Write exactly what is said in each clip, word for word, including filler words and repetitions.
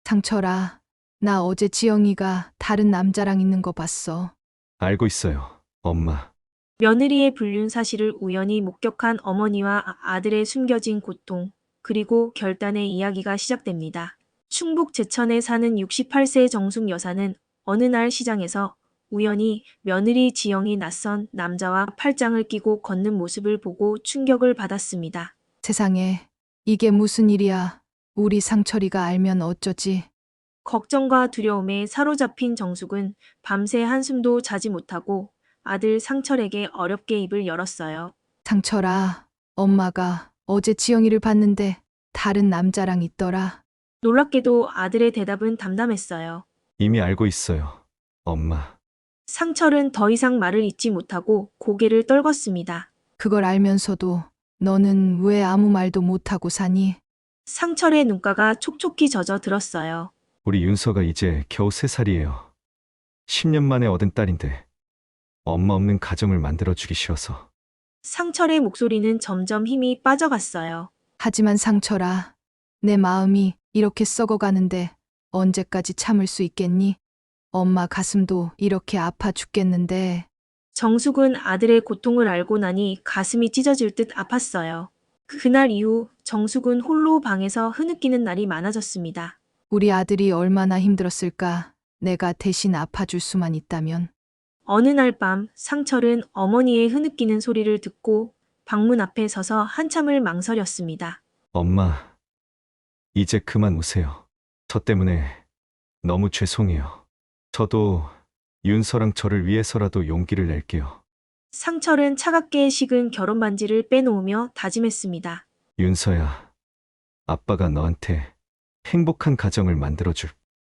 상철아, 나 어제 지영이가 다른 남자랑 있는 거 봤어. 알고 있어요, 엄마. 며느리의 불륜 사실을 우연히 목격한 어머니와 아- 아들의 숨겨진 고통, 그리고 결단의 이야기가 시작됩니다. 충북 제천에 사는 육십팔 세 정숙 여사는 어느 날 시장에서 우연히 며느리 지영이 낯선 남자와 팔짱을 끼고 걷는 모습을 보고 충격을 받았습니다. 세상에, 이게 무슨 일이야. 우리 상철이가 알면 어쩌지? 걱정과 두려움에 사로잡힌 정숙은 밤새 한숨도 자지 못하고 아들 상철에게 어렵게 입을 열었어요. 상철아, 엄마가 어제 지영이를 봤는데 다른 남자랑 있더라. 놀랍게도 아들의 대답은 담담했어요. 이미 알고 있어요, 엄마. 상철은 더 이상 말을 잇지 못하고 고개를 떨궜습니다. 그걸 알면서도 너는 왜 아무 말도 못하고 사니? 상철의 눈가가 촉촉히 젖어 들었어요. 우리 윤서가 이제 겨우 세 살이에요. 십 년 만에 얻은 딸인데 엄마 없는 가정을 만들어주기 싫어서. 상철의 목소리는 점점 힘이 빠져갔어요. 하지만 상철아, 내 마음이 이렇게 썩어가는데 언제까지 참을 수 있겠니? 엄마 가슴도 이렇게 아파 죽겠는데. 정숙은 아들의 고통을 알고 나니 가슴이 찢어질 듯 아팠어요. 그날 이후 정숙은 홀로 방에서 흐느끼는 날이 많아졌습니다. 우리 아들이 얼마나 힘들었을까? 내가 대신 아파줄 수만 있다면. 어느 날 밤 상철은 어머니의 흐느끼는 소리를 듣고 방문 앞에 서서 한참을 망설였습니다. 엄마, 이제 그만 우세요. 저 때문에 너무 죄송해요. 저도 윤서랑 저를 위해서라도 용기를 낼게요. 상철은 차갑게 식은 결혼 반지를 빼놓으며 다짐했습니다. 윤서야, 아빠가 너한테 행복한 가정을 만들어줄.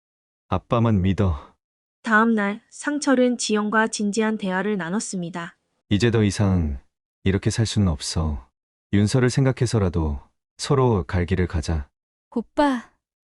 아빠만 믿어. 다음 날 상철은 지영과 진지한 대화를 나눴습니다. 이제 더 이상 이렇게 살 수는 없어. 윤서를 생각해서라도 서로 갈 길을 가자. 오빠,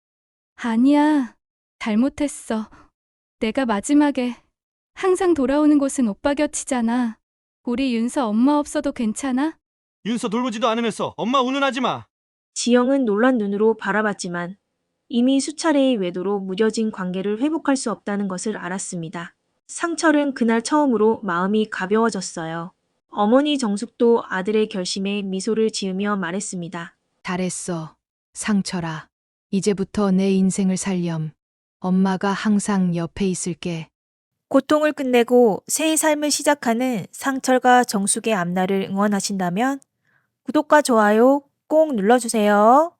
아니야. 잘못했어. 내가 마지막에 항상 돌아오는 곳은 오빠 곁이잖아. 우리 윤서 엄마 없어도 괜찮아? 윤서 돌보지도 않으면서 엄마 운운하지 마. 지영은 놀란 눈으로 바라봤지만 이미 수차례의 외도로 무뎌진 관계를 회복할 수 없다는 것을 알았습니다. 상철은 그날 처음으로 마음이 가벼워졌어요. 어머니 정숙도 아들의 결심에 미소를 지으며 말했습니다. 잘했어. 상철아. 이제부터 내 인생을 살렴. 엄마가 항상 옆에 있을게. 고통을 끝내고 새 삶을 시작하는 상철과 정숙의 앞날을 응원하신다면 구독과 좋아요 꼭 눌러주세요.